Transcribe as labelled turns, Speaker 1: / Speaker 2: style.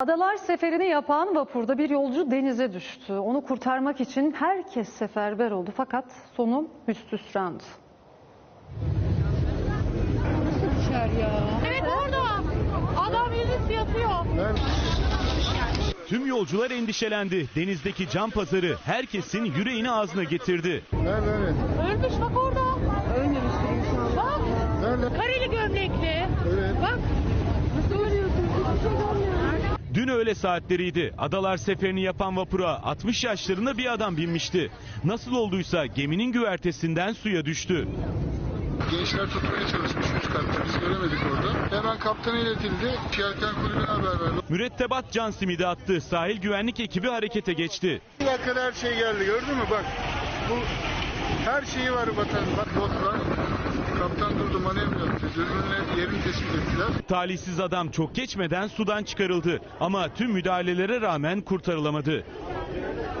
Speaker 1: Adalar seferini yapan vapurda bir yolcu denize düştü. Onu kurtarmak için herkes seferber oldu fakat sonu hüsnüsrandı.
Speaker 2: Nasıl düşer ya? Evet orada. Adam yüzüstü yatıyor.
Speaker 3: Tüm yolcular endişelendi. Denizdeki can pazarı herkesin yüreğini ağzına getirdi.
Speaker 4: Nerede?
Speaker 2: Ölmüş bak orada.
Speaker 1: Ölmemiştir inşallah.
Speaker 2: Bak.
Speaker 4: Nerede?
Speaker 2: Kareli gömlekli.
Speaker 4: Evet.
Speaker 2: Bak.
Speaker 1: Nasıl ölüyorsun? Hiçbir şey görmüyorum.
Speaker 3: Dün öğle saatleriydi. Adalar seferini yapan vapura 60 yaşlarında bir adam binmişti. Nasıl olduysa geminin güvertesinden suya düştü.
Speaker 4: Gençler tutmaya çalışmış üst katta. Biz göremedik orada. Hemen kaptana iletildi. Yelken kulübüne haber verdi.
Speaker 3: Mürettebat can simidi attı. Sahil güvenlik ekibi harekete geçti.
Speaker 4: Bir dakikada her şey geldi. Gördün mü? Bak. Bu her şeyi var vatan. Bak botlar. Kaptan durdu, manevra yaptı. Dürbünle yerini tespit ettiler.
Speaker 3: Talihsiz adam çok geçmeden sudan çıkarıldı. Ama tüm müdahalelere rağmen kurtarılamadı.